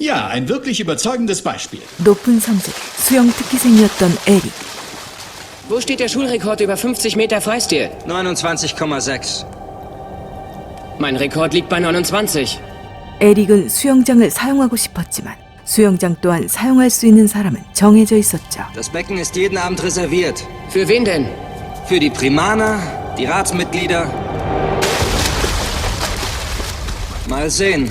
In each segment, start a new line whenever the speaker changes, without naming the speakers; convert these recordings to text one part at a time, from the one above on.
Ja, ein wirklich überzeugendes Beispiel.
높은 성적, 수영 특기생이었던 에릭.
Wo steht der Schulrekord über 50 Meter Freistil?
29,6.
Mein Rekord liegt bei 29.
에릭은 수영장을 사용하고 싶었지만 수영장 또한 사용할 수 있는 사람은 정해져 있었죠.
Das Becken ist jeden Abend reserviert.
Für wen denn?
Für die Primaner, die Ratsmitglieder. Mal sehen.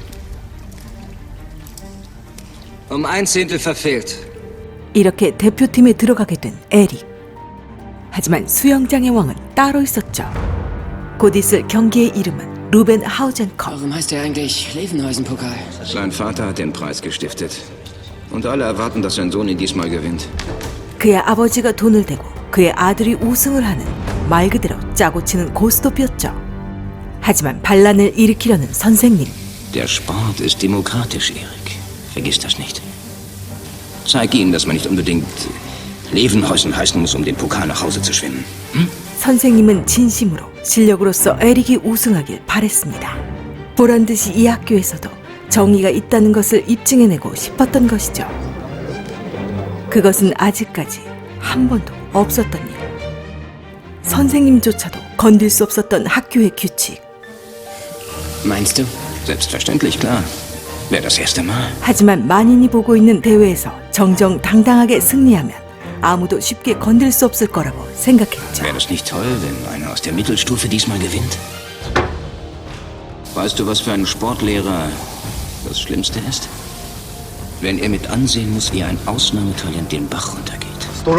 Um 1/10 verfehlt.
이렇게 대표팀에 들어가게 된 에릭. 하지만 수영장의 왕은 따로 있었죠. 곧 있을 경기의 이름은 루벤 하우젠컵.
Warum heißt der eigentlich Levenhäusen-Pokal?
Sein Vater hat den Preis gestiftet. Und alle erwarten, dass sein Sohn ihn diesmal gewinnt.
그의 아버지가 돈을 대고 그의 아들이 우승을 하는 말 그대로 짜고 치는 고스톱이었죠. 하지만 반란을 일으키려는 선생님.
Der Sport ist demokratisch, Erik. Vergiss das nicht. Zeig ihm, dass man nicht unbedingt Levenhäusen heißen muss, um den Pokal nach Hause zu schwimmen. Hm?
선생님은 진심으로 실력으로서 에릭이 우승하길 바랬습니다. 보란듯이 이 학교에서도 정의가 있다는 것을 입증해내고 싶었던 것이죠. 그것은 아직까지 한 번도 없었던 일. 선생님조차도 건들 수 없었던 학교의 규칙.
Meinst du?
Selbstverständlich, klar. Wäre das erste Mal.
하지만 만인이 보고 있는 대회에서 정정당당하게 승리하면 아무도 쉽게 건들 수 없을 거라고 생각했죠.
Wäre das nicht toll, wenn einer aus der Mittelstufe diesmal gewinnt? Weißt du, was für einen Sportlehrer das Schlimmste ist? Wenn er mit ansehen muss, wie ein Ausnahmetalent den Bach runtergeht.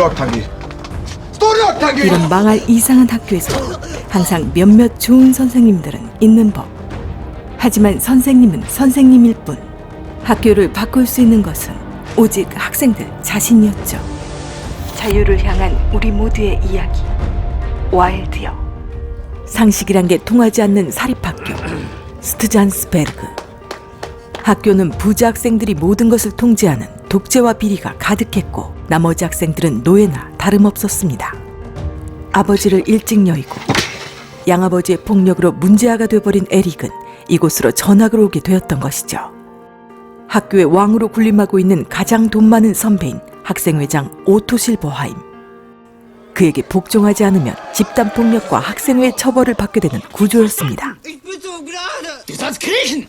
이런 망할 이상한 학교에서도 항상 몇몇 좋은 선생님들은 있는 법. 하지만 선생님은 선생님일 뿐. 학교를 바꿀 수 있는 것은 오직 학생들 자신이었죠. 자유를 향한 우리 모두의 이야기. 와일드요. 상식이란 게 통하지 않는 사립학교. 스트잔스베르그. 학교는 부자 학생들이 모든 것을 통제하는 독재와 비리가 가득했고 나머지 학생들은 노예나 다름없었습니다. 아버지를 일찍 여의고 양아버지의 폭력으로 문제아가 돼버린 에릭은 이곳으로 전학을 오게 되었던 것이죠. 학교의 왕으로 군림하고 있는 가장 돈 많은 선배인 학생회장 오토 실버하임. 그에게 복종하지 않으면 집단폭력과 학생회 처벌을 받게 되는 구조였습니다.
Du sollst kriechen!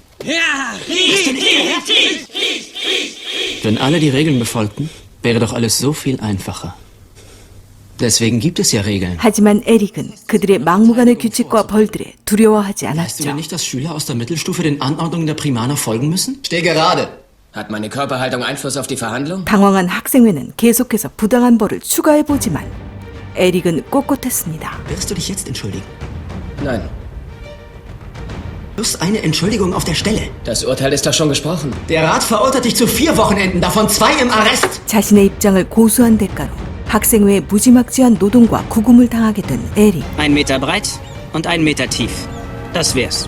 Wenn alle die Regeln befolgten, wäre doch alles so viel einfacher. Deswegen gibt es ja Regeln.
하지만 에릭은 그들의 막무가내 규칙과 벌들에 두려워하지
Weißt du
않았죠.
denn nicht, dass Schüler aus der Mittelstufe den Anordnungen der Primaner folgen müssen? Steh gerade!
Hat meine Körperhaltung Einfluss auf die Verhandlung?
당황한 학생회는 계속해서 부당한 벌을 추가해보지만 에릭은 꼿꼿했습니다.
Wirst du dich jetzt entschuldigen?
Nein.
Plus eine Entschuldigung auf der Stelle.
Das Urteil ist doch schon gesprochen.
Der Rat verurteilt dich zu 4 Wochenenden, davon 2 im Arrest.
자신의 입장을 고수한 대가로 학생회의 무지막지한 노동과 구금을 당하게 된 에릭.
1 Meter breit und 1 Meter tief. Das wär's.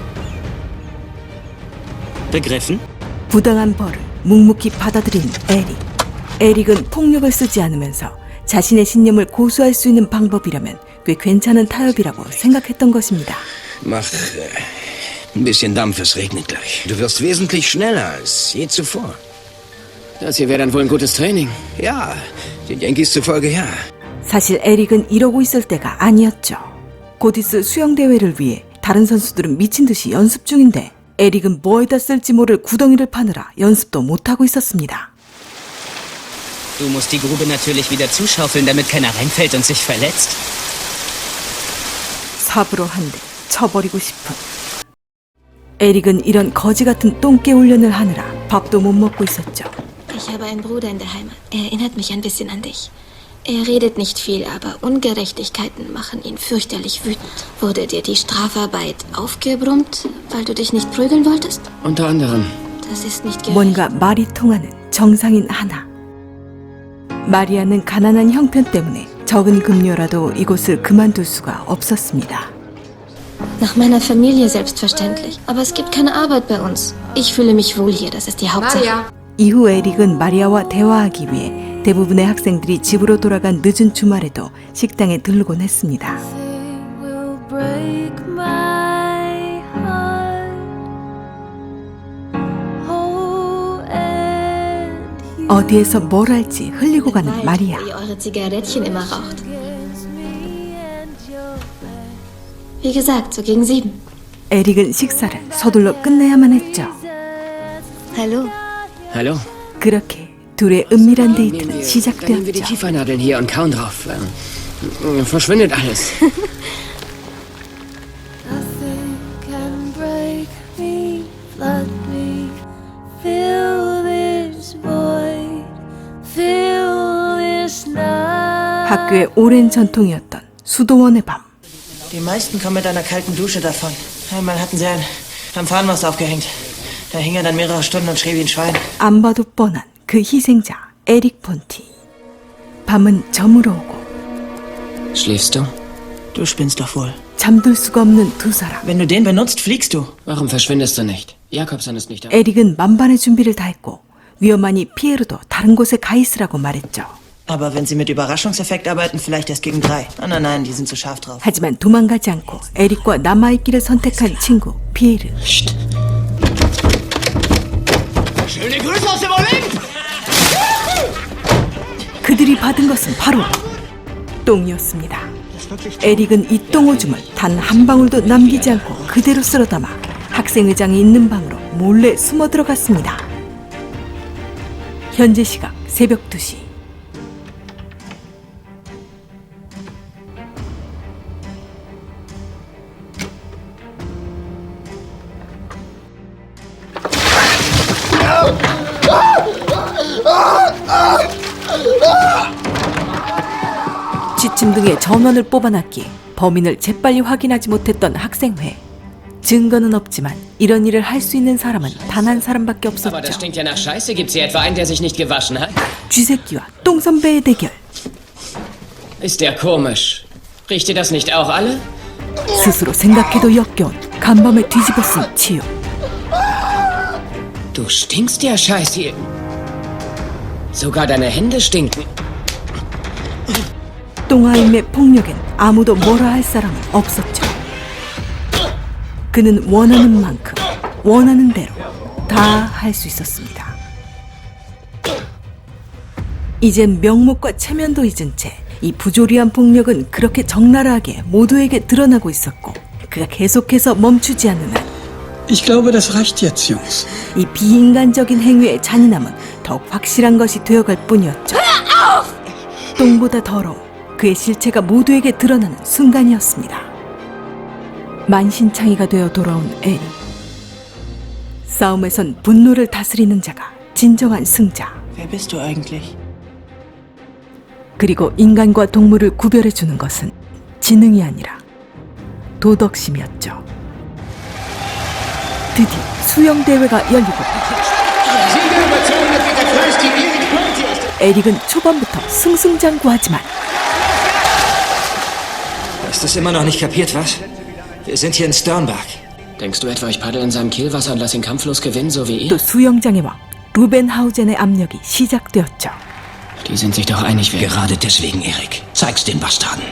Begriffen?
부당한 벌을 묵묵히 받아들인 에릭. 에릭은 폭력을 쓰지 않으면서 자신의 신념을 고수할 수 있는 방법이라면 꽤 괜찮은 타협이라고 생각했던 것입니다.
Mach ein bisschen Dampf, es regnet gleich. Du wirst wesentlich schneller als je zuvor.
Das hier wäre dann wohl ein gutes Training.
Ja, den Yankees zufolge ja.
사실 에릭은 이러고 있을 때가 아니었죠. 곧 있을 수영대회를 위해 다른 선수들은 미친 듯이 연습 중인데 에릭은 뭐에다 쓸지 모를 구덩이를 파느라 연습도 못하고 있었습니다.
Du musst die Grube natürlich wieder zuschaufeln, damit keiner reinfällt und sich verletzt.
삽으로 한 대 쳐버리고 싶은. 에릭은 이런 거지 같은 똥개 훈련을 하느라 밥도 못 먹고 있었죠.
Ich habe einen Bruder in der Heimat. Er erinnert mich ein bisschen an dich. Er redet nicht viel, aber Ungerechtigkeiten machen ihn fürchterlich wütend. Wurde dir die Strafarbeit aufgebrummt, weil du dich nicht prügeln wolltest?
Unter anderem.
Das ist nicht gerecht.
뭔가 말이 통하는 정상인 하나. 마리아는 가난한 형편 때문에 적은 급료라도 이곳을 그만둘 수가 없었습니다.
Nach meiner Familie selbstverständlich. Aber es gibt keine Arbeit bei uns. Ich fühle mich wohl hier, das ist die Hauptsache.
이후 에릭은 마리아와 대화하기 위해 대부분의 학생들이 집으로 돌아간 늦은 주말에도 식당에 들르곤 했습니다. 어디에서 뭘 할지 흘리고 가는
Weil
마리아.
ihr eure Zigarettchen immer raucht. Wie gesagt, so gegen 7.
에릭은 식사를 서둘러 끝내야만 했죠.
Hallo.
Hallo?
그렇게 둘의 은밀한
Nehmen
데이트는
wir die
시작되었죠.
Kiefernadeln hier und kauen drauf. Verschwindet alles.
Nothing can break me, flood me, fill this void, fill this night.
학교의 오랜 전통이었던 수도원의 밤.
Die meisten kommen mit einer kalten Dusche davon. Einmal hatten sie einen am Fahnenmast aufgehängt. Da hing er dann mehrere Stunden und schrie wie ein Schwein.
안 봐도 뻔한 그 희생자 에릭 폰티. 밤은 저물어 오고
Schläfst du?
Du spinnst doch wohl.
잠들 수가 없는 두 사람.
Wenn du den benutzt, fliegst du.
Warum verschwindest du nicht? Jakobson ist nicht da.
에릭은 만반의 준비를 다했고 위험하니 피에로도 다른 곳에 가 있으라고 말했죠.
Aber wenn sie mit Überraschungseffekt arbeiten, vielleicht erst gegen 3. Nein, nein, die sind zu scharf drauf.
하지만 도망가지 않고 에릭과 남아있기를 선택한 친구 피에르.
Schöne Grüße aus dem Olymp!
그들이 받은 것은 바로 똥이었습니다. 에릭은 이 똥오줌을 단 한 방울도 남기지 않고 그대로 쓸어 담아 학생회장이 있는 방으로 몰래 숨어 들어갔습니다. 현재 시각 새벽 2시. 지침 등의 전원을 뽑아놨기에 범인을 재빨리 확인하지 못했던 학생회. 증거는 없지만 이런 일을 할 수 있는 사람은 단 한 사람밖에
Aber das
없었죠.
stinkt ja nach Scheiße. Gibt's hier etwa einen, der sich nicht gewaschen hat?
쥐새끼와 똥선배의 대결.
Ist der komisch? Riecht ihr das nicht auch alle?
스스로 생각해도 역겨운 간밤에 뒤집어쓴 치유.
Du stinkst ja scheiß hier. Sogar deine Hände stinken.
똥아임의 폭력엔 아무도 뭐라 할 사람은 없었죠. 그는 원하는 만큼 원하는 대로 다 할 수 있었습니다. 이젠 명목과 체면도 잊은 채 이 부조리한 폭력은 그렇게 적나라하게 모두에게 드러나고 있었고 그가 계속해서 멈추지 않는 한
Ich glaube, das reicht jetzt, Jungs.
이 비인간적인 행위의 잔인함은 더욱 확실한 것이 되어갈 뿐이었죠. 똥보다 더러운 그의 실체가 모두에게 드러나는 순간이었습니다. 만신창이가 되어 돌아온 에리. 싸움에선 분노를 다스리는 자가 진정한 승자.
Wer bist du eigentlich?
그리고 인간과 동물을 구별해주는 것은 지능이 아니라 도덕심이었죠. 드디어 수영대회가 열리고 에릭은 초반부터 승승장구하지만
Hast du es immer noch nicht kapiert, was? Wir sind hier in Sternberg.
Denkst du etwa, ich paddel in seinem Kielwasser und lass ihn kampflos gewinnen, so wie
또
ihr?
수영장의 왕 루벤하우젠의 압력이 시작되었죠.
Die sind sich doch einig, wer...
Gerade deswegen, Erik. Zeig's den Bastarden.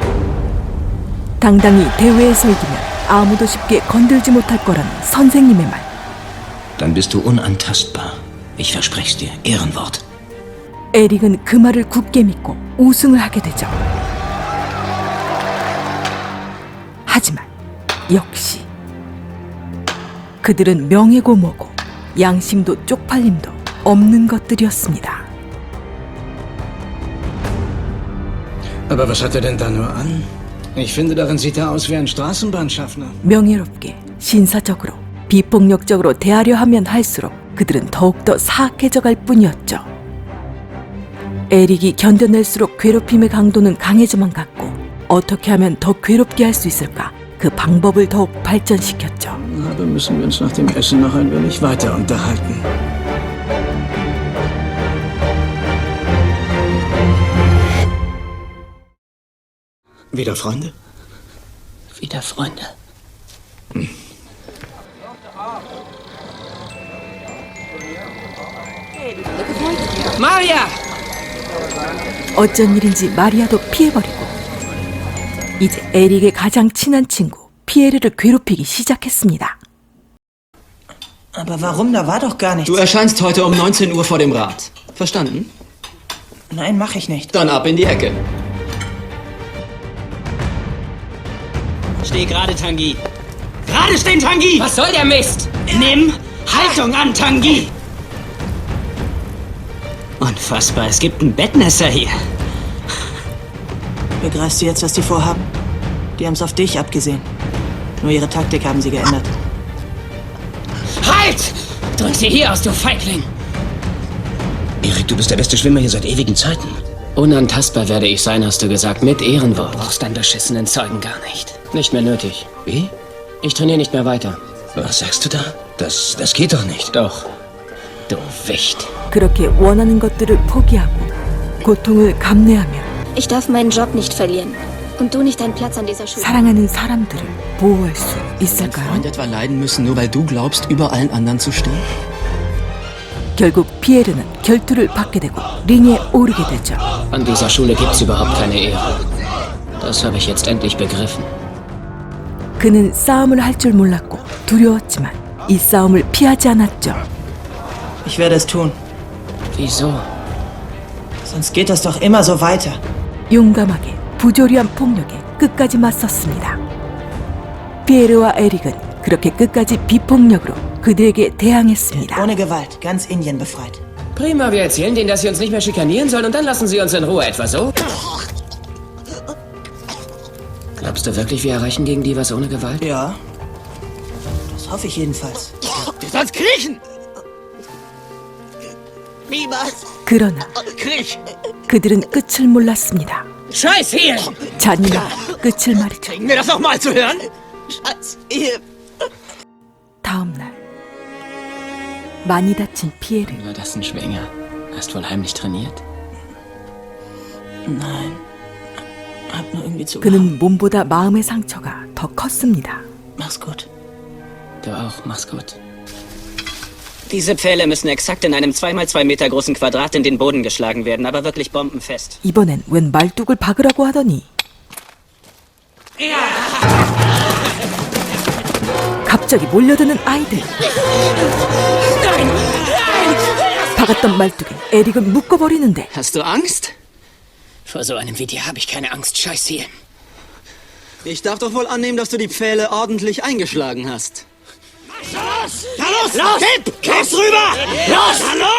당당히 대회에서 이기면 아무도 쉽게 건들지 못할 거라는 선생님의 말.
Dann bist du unantastbar. Ich verspreche's dir. Ehrenwort.
에릭은 그 말을 굳게 믿고 우승을 하게 되죠. 하지만 역시 그들은 명예고 뭐고 양심도 쪽팔림도 없는 것들이었습니다.
Aber was hat er denn da nur an? Ich finde, darin sieht er aus wie ein Straßenbahnschaffner.
명예롭게 신사적으로 비폭력적으로 대하려 하면 할수록 그들은 더욱더 사악해져 갈 뿐이었죠. 에릭이 견뎌낼수록 괴롭힘의 강도는 강해져만 갔고 어떻게 하면 더 괴롭게 할 수 있을까? 그 방법을 더욱 발전시켰죠.
Na, dann müssen wir uns nach dem Essen noch ein wenig weiter unterhalten. Wieder Freunde?
Wieder Freunde. Maria!
어쩐 일인지 마리아도 피해버리고 이제 에릭의 가장 친한 친구 피에르를 괴롭히기 시작했습니다.
Aber warum? Da war doch gar nichts.
Du erscheinst heute um 19 Uhr vor dem Rat. Verstanden?
Nein, mach ich nicht.
Dann ab in die Ecke.
Steh gerade, Tanguy. Gerade stehen, Tanguy!
Was soll der Mist?
Nimm Haltung an, Tanguy! Unfassbar, es gibt ein Bettnässer hier.
Begreifst du jetzt, was die vorhaben? Die haben's auf dich abgesehen. Nur ihre Taktik haben sie geändert.
Halt! Drück sie hier aus, du Feigling!
Erik, du bist der beste Schwimmer hier seit ewigen Zeiten.
Unantastbar werde ich sein, hast du gesagt, mit Ehrenwort. Brauchst deinen beschissenen Zeugen gar nicht. Nicht mehr nötig.
Wie?
Ich trainiere nicht mehr weiter.
Was sagst du da? Das geht doch nicht.
Doch. Du Wicht.
그렇게 원하는 것들을 포기하고 고통을 감내하며
Ich darf meinen Job nicht verlieren. Und du nicht deinen Platz an dieser Schule.
사랑하는 사람들을 보호할 수
Dein
있을까요?
Freund etwa leiden müssen, nur weil du glaubst, über allen anderen zu stehen?
결국 피에르는 결투를 받게 되고 링에 오르게 되죠.
An dieser Schule gibt's überhaupt keine Ehre. Das habe ich jetzt endlich begriffen.
그는 싸움을 할 줄 몰랐고 두려웠지만 이 싸움을 피하지 않았죠.
Ich werde es tun.
Wieso?
Sonst geht das doch immer so weiter.
용감하게 부조리한 폭력에 끝까지 맞섰습니다. 피에르와 에릭은 그렇게 끝까지 비폭력으로 그들에게 대항했습니다.
Ohne Gewalt. Ganz Indien befreit.
Prima, wir erzählen denen, dass sie uns nicht mehr schikanieren sollen und dann lassen sie uns in Ruhe, etwa so? Glaubst du wirklich, wir erreichen gegen die was ohne Gewalt?
Ja. Das hoffe ich jedenfalls.
Du sollst kriechen!
그러나 그들은 끝을 몰랐습니다.
Scheiß hier!
잔인한 끝을 말이죠.
Kriegen wir das noch mal zu hören?
다음 날 많이 다친 피에르.
War das ein Schwänger? Hast wohl heimlich trainiert?
Nein. Hab nur irgendwie zu.
그는 몸보다 마음의 상처가 더 컸습니다.
Mach's gut.
Du auch, mach's gut.
Diese Pfähle müssen exakt in einem 2x2 Meter großen Quadrat in den Boden geschlagen werden, aber wirklich bombenfest.
이번엔 웬 말뚝을 박으라고 하더니 갑자기 몰려드는 아이들. 박았던 말뚝에 에릭은 묶어버리는데
Hast du Angst?
Vor so einem wie dir habe ich keine Angst, Scheiß hier.
Ich darf doch wohl annehmen, dass du die Pfähle ordentlich eingeschlagen hast.
Los! Kipp's rüber! Los!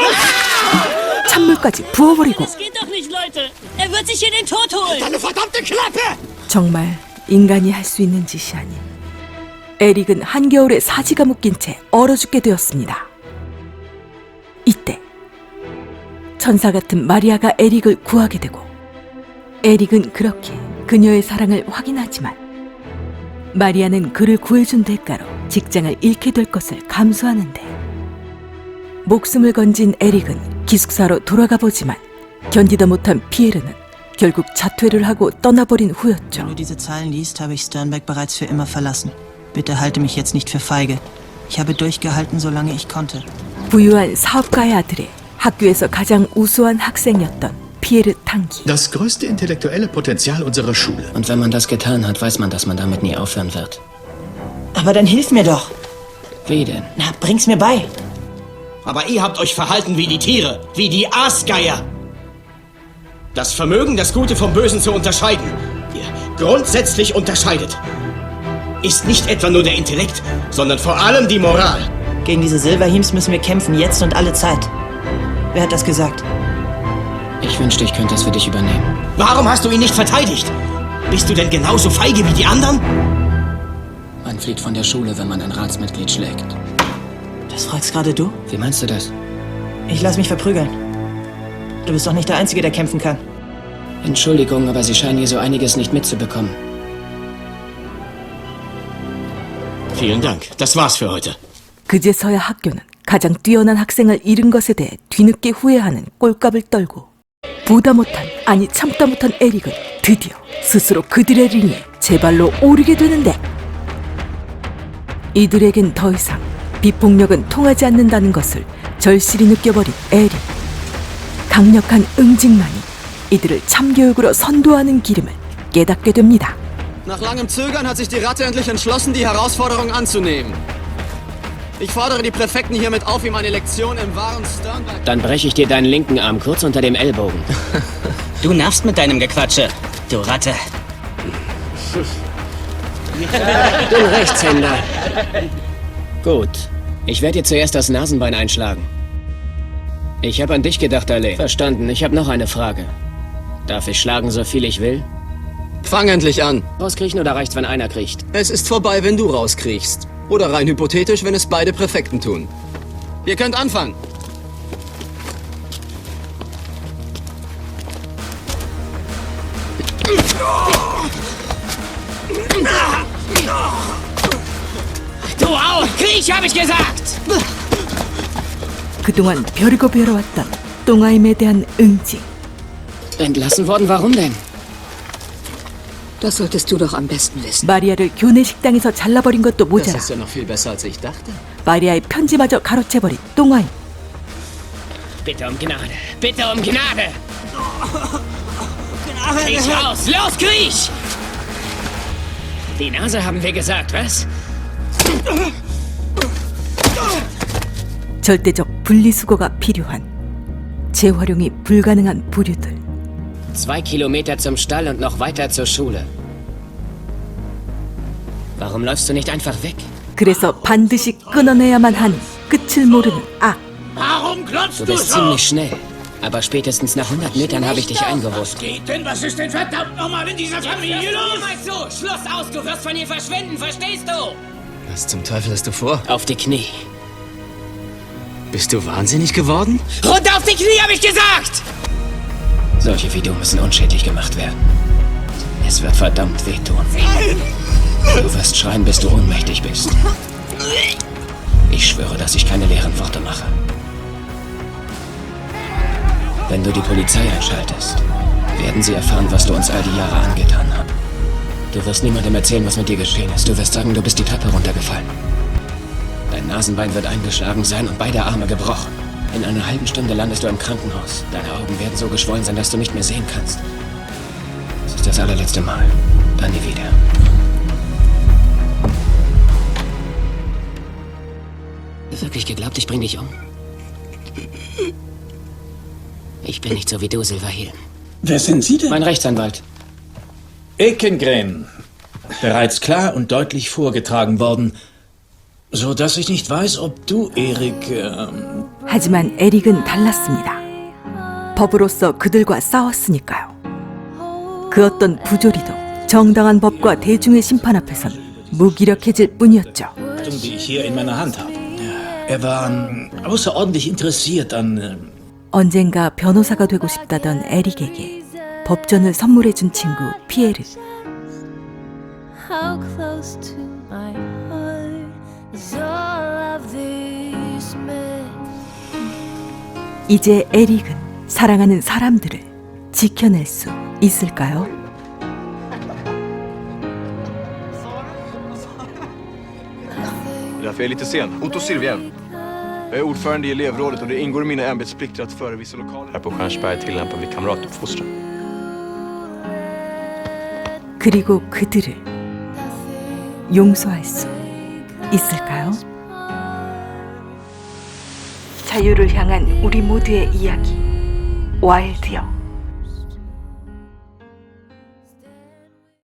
찬물까지 부어버리고
Das geht doch nicht, Leute! Er wird sich hier den Tod holen!
Deine verdammte Klappe!
정말 인간이 할 수 있는 짓이 아닌 에릭은 한겨울에 사지가 묶인 채 얼어 죽게 되었습니다. 이때 천사 같은 마리아가 에릭을 구하게 되고 에릭은 그렇게 그녀의 사랑을 확인하지만 마리아는 그를 구해준 대가로 직장을 잃게 될 것을 감수하는데 목숨을 건진 에릭은 기숙사로 돌아가 보지만 견디다 못한 피에르는 결국 자퇴를 하고 떠나버린 후였죠.
Wenn du diese Zeilen liest, habe ich Sternberg bereits für immer verlassen. Bitte halte mich jetzt nicht für feige. Ich habe durchgehalten, solange ich konnte.
부유한 사업가의 아들의 학교에서 가장 우수한 학생이었던 피에르 탕기.
Das größte intellektuelle Potenzial unserer Schule.
Und wenn man das getan hat, weiß man, dass man damit nie aufhören wird.
Aber dann hilf mir doch.
Wie denn?
Na, bring's mir bei.
Aber ihr habt euch verhalten wie die Tiere, wie die Aasgeier. Das Vermögen, das Gute vom Bösen zu unterscheiden, ihr grundsätzlich unterscheidet, ist nicht etwa nur der Intellekt, sondern vor allem die Moral.
Gegen diese Silverheems müssen wir kämpfen, jetzt und alle Zeit. Wer hat das gesagt?
Ich wünschte, ich könnte es für dich übernehmen.
Warum hast du ihn nicht verteidigt? Bist du denn genauso feige wie die anderen?
Man flieht von der Schule, wenn man ein Ratsmitglied schlägt.
Das fragst gerade du?
Wie meinst du das?
Ich lass mich verprügeln. Du bist doch nicht der Einzige, der kämpfen kann.
Entschuldigung, aber Sie scheinen hier so einiges nicht mitzubekommen.
Vielen Dank. Das war's für heute.
그제서야 학교는 가장 뛰어난 학생을 잃은 것에 대해 뒤늦게 후회하는 꼴값을 떨고 보다 못한, 아니 참다 못한 에릭은 드디어 스스로 그들의 링에 제발로 오르게 되는데 이들에겐 더 이상 비폭력은 통하지 않는다는 것을 절실히 느껴버린 에릭. 강력한 응징만이 이들을 참교육으로 선도하는 기름을 깨닫게 됩니다.
Nach langem Zögern hat sich die Ratte endlich entschlossen, die Herausforderung anzunehmen. Ich fordere die Präfekten hiermit auf, ihm eine Lektion im wahren Sternberg...
Dann breche ich dir deinen linken Arm kurz unter dem Ellbogen.
Du nervst mit deinem Gequatsche, du Ratte.
Du Rechtshänder. Gut. Ich werde dir zuerst das Nasenbein einschlagen. Ich habe an dich gedacht, Ale. Verstanden. Ich habe noch eine Frage. Darf ich schlagen, so viel ich will?
Fang endlich an.
Rauskriechen oder reicht's, wenn einer kriecht?
Es ist vorbei, wenn du rauskriechst. Oder rein hypothetisch, wenn es beide Präfekten tun. Ihr könnt anfangen.
Du auch! Kriech, habe ich gesagt!
그동안 벼르고 벼러왔던 똥아임에 대한 응징.
Entlassen worden? Warum denn?
Das solltest du doch am besten wissen.
마리아를 교내 식당에서 잘라버린 것도
Das
모자라
ist ja noch viel besser, als ich dachte.
마리아의 편지마저 가로채버린 똥아임.
Bitte um Gnade! Bitte um Gnade! Kriech raus! Los, kriech! Die Nase haben wir gesagt, was?
절대적 분리수거가 필요한 재활용이 불가능한 부류들.
2 Kilometer zum Stall und noch weiter zur Schule. Warum läufst du nicht einfach weg?
그래서 반드시 끊어내야만 하는 끝을 모르는 악.
Warum klotzt
Du
du
bist
so?
ziemlich schnell. Aber spätestens nach 100 Metern habe ich dich eingeholt.
Was geht denn? Was ist denn verdammt nochmal in dieser Familie los?
So, Schluss aus! Du wirst von hier verschwinden, verstehst du?
Was zum Teufel hast du vor?
Auf die Knie.
Bist du wahnsinnig geworden?
Runter auf die Knie, habe ich gesagt! Solche wie du müssen unschädlich gemacht werden. Es wird verdammt wehtun. Du wirst schreien, bis du ohnmächtig bist. Ich schwöre, dass ich keine leeren Worte mache. Wenn du die Polizei einschaltest, werden sie erfahren, was du uns all die Jahre angetan hast. Du wirst niemandem erzählen, was mit dir geschehen ist. Du wirst sagen, du bist die Treppe runtergefallen. Dein Nasenbein wird eingeschlagen sein und beide Arme gebrochen. In einer halben Stunde landest du im Krankenhaus. Deine Augen werden so geschwollen sein, dass du nicht mehr sehen kannst. Es ist das allerletzte Mal. Dann nie wieder. Wirklich geglaubt, ich bring dich um? Ich bin nicht so wie du, Silver Hill.
Wer sind Sie denn?
Mein Rechtsanwalt.
Ekengren. Bereits klar und deutlich vorgetragen worden. So dass ich nicht weiß, ob du, Erik...
하지만 에릭은 달랐습니다. 법으로서 그들과 싸웠으니까요. 그 어떤 부조리도 정당한 법과 대중의 심판 앞에선 무기력해질 뿐이었죠.
die ich hier in meiner Hand habe. Er war außerordentlich interessiert an...
언젠가 변호사가 되고 싶다던 에릭에게 법전을 선물해준 친구 피에르.
How close to my heart is all of these men.
이제 에릭은 사랑하는 사람들을 지켜낼 수 있을까요?
Därför är jag lite sen. Otto Silvien. Jag är ordförande i elevrådet och det ingår i mina ämbetsplikter att förevisa lokaler. Här på Stjärnsberg tillämpar vi kamratuppfostran.
그리고 그들을 용서할 수 있을까요? 자유를 향한 우리 모두의 이야기 와일드요.